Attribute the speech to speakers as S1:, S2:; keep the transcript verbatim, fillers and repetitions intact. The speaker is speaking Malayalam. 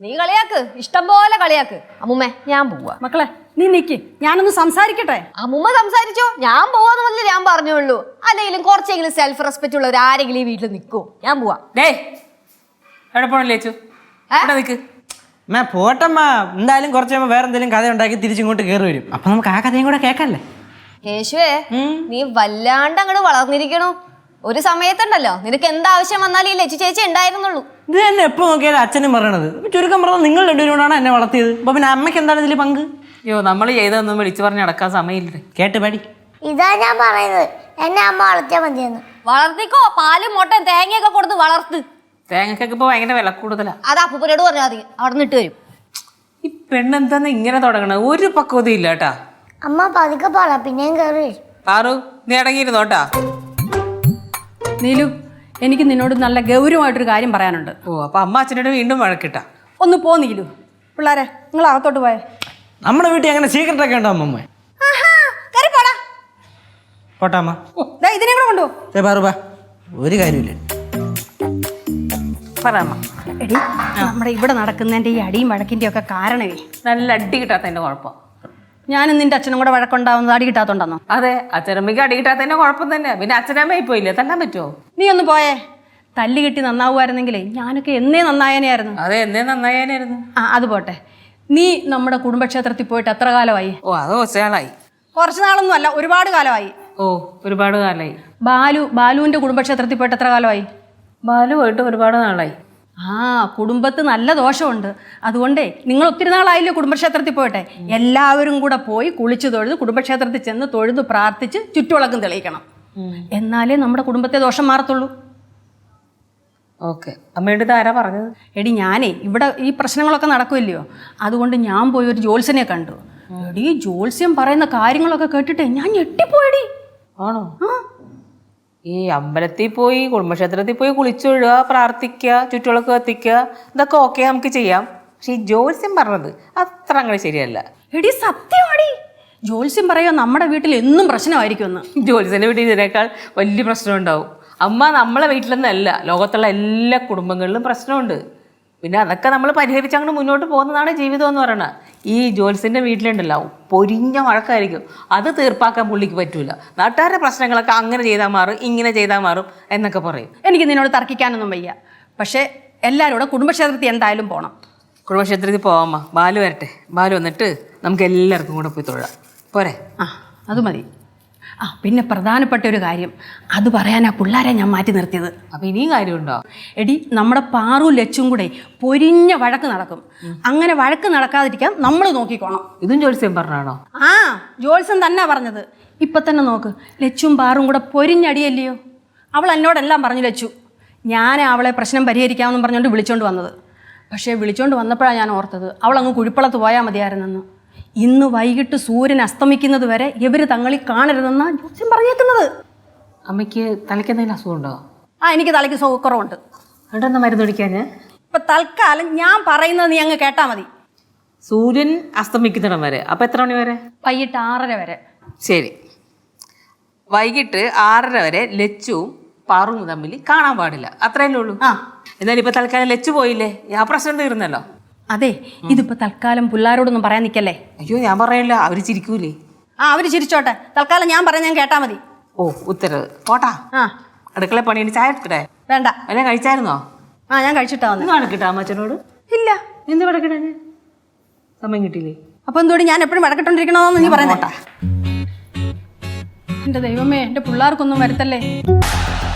S1: നീ കളിയാക്ക്, ഇഷ്ടം പോലെ കളിയാക്ക്. അമ്മുമ്മേ ഞാൻ പോവാ.
S2: മക്കളെ നീ നിക്ക്, ഞാനൊന്ന് സംസാരിക്കട്ടെ.
S1: അമ്മുമ്മ സംസാരിച്ചോ, ഞാൻ പോവാന്ന് പറഞ്ഞില്ല ഞാൻ പറഞ്ഞുള്ളൂ. അല്ലെങ്കിലും കുറച്ചെങ്കിലും സെൽഫ് റെസ്പെക്ട് ഉള്ളവർ ആരെങ്കിലും ഈ വീട്ടിൽ നിൽക്കുവോ? ഞാൻ പോവാ.
S3: എവിടെ പോണില്ലേച്ചു നിക്ക്.
S4: മേ പോട്ടമ്മ, എന്തായാലും കുറച്ച് കഴിയുമ്പോൾ വേറെ എന്തെങ്കിലും കഥ ഉണ്ടാക്കി തിരിച്ചിങ്ങോട്ട് കയറി വരും. അപ്പൊ നമുക്ക് ആ കഥയും കൂടെ കേൾക്കല്ലേ.
S1: കേശുവേ, നീ വല്ലാണ്ട് അങ്ങോട്ട് വളർന്നിരിക്കണു. ഒരു സമയത്തുണ്ടല്ലോ നിനക്ക് എന്താവശ്യം വന്നാലും ഈ ലച്ചു ചേച്ചി ഉണ്ടായിരുന്നുള്ളൂ.
S4: ഇത് തന്നെ എപ്പോ നോക്കിയാലും അച്ഛനും പറയണത്. ചുരുക്കം പറഞ്ഞാൽ നിങ്ങൾ രണ്ടുപേരോടാണ് എന്നെ വളർത്തിയത്. അപ്പൊ പിന്നെ അമ്മയ്ക്ക് എന്താണ് ഇതിൽ പങ്ക്?
S3: അയ്യോ, നമ്മൾ ചെയ്തൊന്നും വിളിച്ചു പറഞ്ഞ് നടക്കാൻ സമയമില്ല.
S4: കേട്ട് പാടി.
S5: ഇതാ ഞാൻ പറയുന്നത്, എന്നെ അമ്മ വളർത്തിയാൽ മതിയെന്ന്.
S1: വളർത്തിക്കോ, പാലും മുട്ടയും തേങ്ങയൊക്കെ കൊടുത്ത് വളർത്ത്.
S3: തേങ്ങക്കൊക്കെ ഇപ്പൊ ഭയങ്കര വില കൂടുതലാ.
S1: അത് അപ്പൂപ്പനോട് പറഞ്ഞാൽ മതി, അവിടെ നിന്ന് ഇട്ട് വരും.
S3: ഈ പെണ്ണെന്താന്ന് ഇങ്ങനെ തുടങ്ങണത്? ഒരു പക്വതയും ഇല്ല കേട്ടാ.
S5: അമ്മ പതുക്കെ പറ, പിന്നെയും കയറി.
S3: പാറു, നീ അടങ്ങിയിരുന്നോട്ടാ.
S2: നീലു, എനിക്ക് നിന്നോട് നല്ല ഗൗരവമായിട്ടൊരു കാര്യം പറയാനുണ്ട്.
S3: ഓ, അപ്പൊ അമ്മ അച്ഛനോട് വീണ്ടും വഴക്കിട്ടാ?
S2: ഒന്ന് പോ നീലു. പിള്ളേരെ നിങ്ങൾ അകത്തോട്ട് പോയേ.
S4: നമ്മുടെ വീട്ടിൽ അങ്ങനെ സീക്രട്ട് ഒക്കെ ഉണ്ടോ അമ്മമ്മ? പോട്ടാമ്മ,
S2: ഇതിനെ കൂടെ കൊണ്ടുപോ.
S4: പാറുപാ, ഒരു കാര്യമില്ല.
S3: പറയാമ്മ.
S2: എടി, നമ്മുടെ ഇവിടെ നടക്കുന്നതിന്റെ ഈ അടിയും വഴക്കിന്റെ ഒക്കെ കാരണമേ
S3: നല്ല അടി കിട്ടാത്തതിന്റെ കുഴപ്പം.
S2: ഞാനും നിന്റെ അച്ഛനും കൂടെ വഴക്കുണ്ടാവുന്നത് അടി കിട്ടാത്തോണ്ടെന്നോ?
S3: അതെ, അച്ഛനമ്മയ്ക്ക് അടി കിട്ടാത്തതിന്റെ കുഴപ്പം തന്നെ. പിന്നെ അച്ഛനമ്മ പോയില്ലേ, തല്ലാൻ പറ്റുമോ?
S2: നീ ഒന്ന് പോയേ. തല്ല് കിട്ടി നന്നാവുമായിരുന്നെങ്കിലേ ഞാനൊക്കെ എന്നേ നന്നായനെയായിരുന്നു.
S3: അതെ, എന്നേ നന്നായാനായിരുന്നു.
S2: ആ അത് പോട്ടെ. നീ നമ്മുടെ കുടുംബക്ഷേത്രത്തിൽ പോയിട്ട് എത്ര കാലമായി?
S3: ഓ, അത് കുറച്ചാളായി.
S2: കുറച്ച് നാളൊന്നും അല്ല, ഒരുപാട് കാലമായി.
S3: ഓ, ഒരുപാട് കാലമായി.
S2: ബാലു ബാലുവിന്റെ കുടുംബക്ഷേത്രത്തിൽ പോയിട്ട് എത്ര കാലമായി?
S3: ബാലു പോയിട്ട് ഒരുപാട് നാളായി.
S2: ആ കുടുംബത്ത് നല്ല ദോഷമുണ്ട്. അതുകൊണ്ടേ നിങ്ങൾ ഒത്തിരി നാളായില്ലേ കുടുംബക്ഷേത്രത്തിൽ പോയിട്ടെ. എല്ലാവരും കൂടെ പോയി കുളിച്ചു തൊഴുത് കുടുംബക്ഷേത്രത്തിൽ ചെന്ന് തൊഴുത് പ്രാർത്ഥിച്ച് ചുറ്റുവിളക്കും തെളിയിക്കണം. എന്നാലേ നമ്മുടെ കുടുംബത്തെ ദോഷം മാറത്തുള്ളൂ.
S3: ഓക്കെ, അമ്മയുടെ ഇത് ആരാ പറഞ്ഞത്?
S2: എടി ഞാനേ ഇവിടെ ഈ പ്രശ്നങ്ങളൊക്കെ നടക്കുമല്ലയോ, അതുകൊണ്ട് ഞാൻ പോയി ഒരു ജോത്സ്യനെ കണ്ടു. എടി ജോത്സ്യം പറയുന്ന കാര്യങ്ങളൊക്കെ കേട്ടിട്ടേ ഞാൻ ഞെട്ടിപ്പോയടി.
S3: ആണോ? ഈ അമ്പലത്തിൽ പോയി കുടുംബക്ഷേത്രത്തിൽ പോയി കുളിച്ചൊഴുക, പ്രാർത്ഥിക്കുക, ചുറ്റുവിളക്ക് കത്തിക്കുക, ഇതൊക്കെ ഓക്കെ നമുക്ക് ചെയ്യാം. പക്ഷെ ഈ ജോത്സ്യം പറഞ്ഞത് അത്ര അങ്ങനെ ശരിയല്ല.
S2: എടി സത്യമാടി, ജോത്സ്യം പറയുക നമ്മുടെ വീട്ടിൽ എന്നും പ്രശ്നമായിരിക്കുമെന്ന്.
S3: ജോത്സ്യൻ്റെ വീട്ടിൽ ഇതിനേക്കാൾ വലിയ പ്രശ്നം ഉണ്ടാവും. അമ്മ നമ്മളെ വീട്ടിലൊന്നല്ല, ലോകത്തുള്ള എല്ലാ കുടുംബങ്ങളിലും പ്രശ്നമുണ്ട്. പിന്നെ അതൊക്കെ നമ്മൾ പരിഹരിച്ച് അങ്ങോട്ട് മുന്നോട്ട് പോകുന്നതാണ് ജീവിതം എന്ന് പറയുന്നത്. ഈ ജോത്സ്യൻ്റെ വീട്ടിലുണ്ടല്ലോ പൊരിഞ്ഞ വഴക്കായിരിക്കും. അത് തീർപ്പാക്കാൻ പുള്ളിക്ക് പറ്റൂല. നാട്ടുകാരുടെ പ്രശ്നങ്ങളൊക്കെ അങ്ങനെ ചെയ്താൽ മാറും, ഇങ്ങനെ ചെയ്താൽ മാറും എന്നൊക്കെ പറയും.
S2: എനിക്ക് നിന്നോട് തർക്കിക്കാനൊന്നും വയ്യ. പക്ഷേ എല്ലാവരും കൂടെ കുടുംബക്ഷേത്രത്തിൽ എന്തായാലും പോകണം.
S3: കുടുംബക്ഷേത്രത്തിൽ പോവാമ്മ. ബാലു വരട്ടെ. ബാലു വന്നിട്ട് നമുക്ക് എല്ലാവർക്കും കൂടെ പോയി തൊഴാം. പോരെ?
S2: ആ അത് മതി. ആ പിന്നെ പ്രധാനപ്പെട്ട ഒരു കാര്യം, അത് പറയാനാ പിള്ളേരെ ഞാൻ മാറ്റി നിർത്തിയത്.
S3: അപ്പം ഇനിയും കാര്യമുണ്ടോ?
S2: എടി, നമ്മുടെ പാറു ലച്ചും കൂടെ പൊരിഞ്ഞ വഴക്ക് നടക്കും. അങ്ങനെ വഴക്ക് നടക്കാതിരിക്കാൻ നമ്മൾ നോക്കിക്കോണം.
S3: ഇതും ജോത്സ്യം പറഞ്ഞാണോ?
S2: ആ ജോത്സ്യം തന്നെ പറഞ്ഞത്. ഇപ്പം തന്നെ നോക്ക്, ലച്ചും പാറും കൂടെ പൊരിഞ്ഞടിയല്ലയോ. അവൾ എന്നോടെല്ലാം പറഞ്ഞു ലച്ചു. ഞാൻ അവളെ പ്രശ്നം പരിഹരിക്കാമെന്നും പറഞ്ഞുകൊണ്ട് വിളിച്ചോണ്ട് വന്നത്. പക്ഷേ വിളിച്ചോണ്ട് വന്നപ്പോഴാണ് ഞാൻ ഓർത്തത് അവളങ്ങ് കുഴിപ്പളത്ത് പോയാൽ മതിയായിരുന്നെന്ന്. ഇന്ന് വൈകിട്ട് സൂര്യൻ അസ്തമിക്കുന്നത് വരെ ഇവർ തങ്ങളിൽ കാണരുതെന്നാണ് ജോത്സ്യം പറഞ്ഞേക്കുന്നത്.
S3: അമ്മയ്ക്ക് തലയ്ക്ക് എന്തെങ്കിലും അസുഖമുണ്ടോ?
S2: ആ എനിക്ക് തലയ്ക്ക് സുഖക്കുറവുണ്ട്.
S3: അവിടെന്താ മരുന്ന് കുടിക്കാൻ?
S2: ഇപ്പം തൽക്കാലം ഞാൻ പറയുന്നത് നീ അങ്ങ് കേട്ടാൽ മതി.
S3: സൂര്യൻ അസ്തമിക്കുന്നിടം വരെ. അപ്പം എത്ര മണി വരെ?
S2: വൈകിട്ട് ആറര വരെ.
S3: ശരി, വൈകിട്ട് ആറര വരെ ലച്ചുവും പാറും തമ്മിൽ കാണാൻ പാടില്ല. അത്രയല്ലേ ഉള്ളൂ.
S2: ആ
S3: എന്നാലും ഇപ്പം തൽക്കാലം ലച്ചു പോയില്ലേ, ആ പ്രശ്നം തീർന്നല്ലോ.
S2: അതെ, ഇതിപ്പോൾ തൽക്കാലം പിള്ളേരോടൊന്നും പറയാൻ നിൽക്കല്ലേ.
S3: അയ്യോ, ഞാൻ പറയില്ല, അവർ ചിരിക്കൂലേ.
S2: ആ അവർ ചിരിച്ചോട്ടെ, തൽക്കാലം ഞാൻ പറയാൻ ഞാൻ കേട്ടാൽ മതി.
S3: ഓ, ഉത്തരവ്. പോട്ടാ.
S2: ആ
S3: അടുക്കള പണിയുണ്ട്, ചായ എടുക്കട്ടെ?
S2: വേണ്ട.
S3: അല്ല, കഴിച്ചായിരുന്നോ?
S2: ആ ഞാൻ കഴിച്ചിട്ടാ വന്നത്.
S3: ഒന്ന് വഴക്കിട്ടാ അമ്മച്ചനോട്?
S2: ഇല്ല.
S3: എന്ത് വഴക്കിട്ടാ? സമയം കിട്ടിയില്ലേ?
S2: അപ്പൊ എന്തുകൊണ്ട് ഞാൻ എപ്പോഴും വഴക്കിട്ടോണ്ടിരിക്കണോന്ന് നീ പറയുന്നേട്ടാ. എന്റെ ദൈവമേ, എന്റെ പിള്ളേർക്കൊന്നും വരുത്തല്ലേ.